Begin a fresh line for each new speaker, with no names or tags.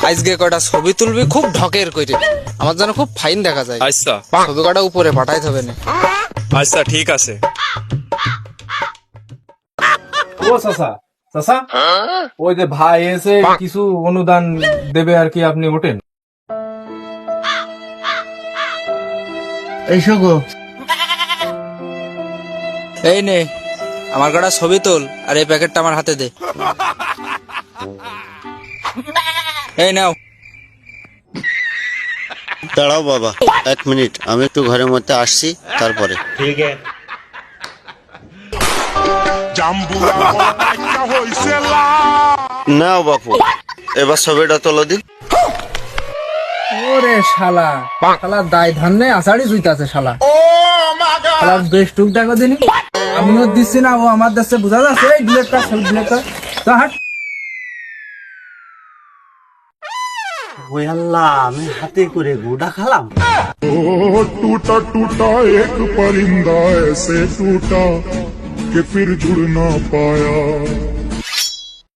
আজকে কটা ছবি তুলবি খুব ঢকের কইরে, আমার যেন খুব ফাইন দেখা যায়।
আচ্ছা
ছবি কটা উপরে পাঠাইতে হবে না।
আচ্ছা ঠিক আছে।
ও চাচা, চাচা ওই যে ভাই এসে কিছু অনুদান দেবে আর কি, আপনি ওঠেন।
এইসো গো।
এই নে আমার কটা ছবি তোল, আর এই প্যাকেটটা আমার হাতে দে। এই নাও।
দাঁড়াও বাবা, 1 মিনিট, আমি একটু ঘরের মধ্যে আসছি, তারপরে। নাও বাপু, এবার ছবিটা তোলো দিন।
ওরে শালা, শালা দায় ধান্নে আষাঢ়ি জুইতাছে শালা। শালা বেশ টুক দেখো দিনি, আমিও দিচ্ছি না, ও আমার দেশে বোঝা যাচ্ছে। এই ডিলেট কর, সব ডিলেট কর তো, হাট।
ওই আল্লাহ, আমি হাতে করে গোটা খালাম।
ओ टूटा टूटा एक परिंदा ऐसे टूटा कि फिर जुड़ ना पाया।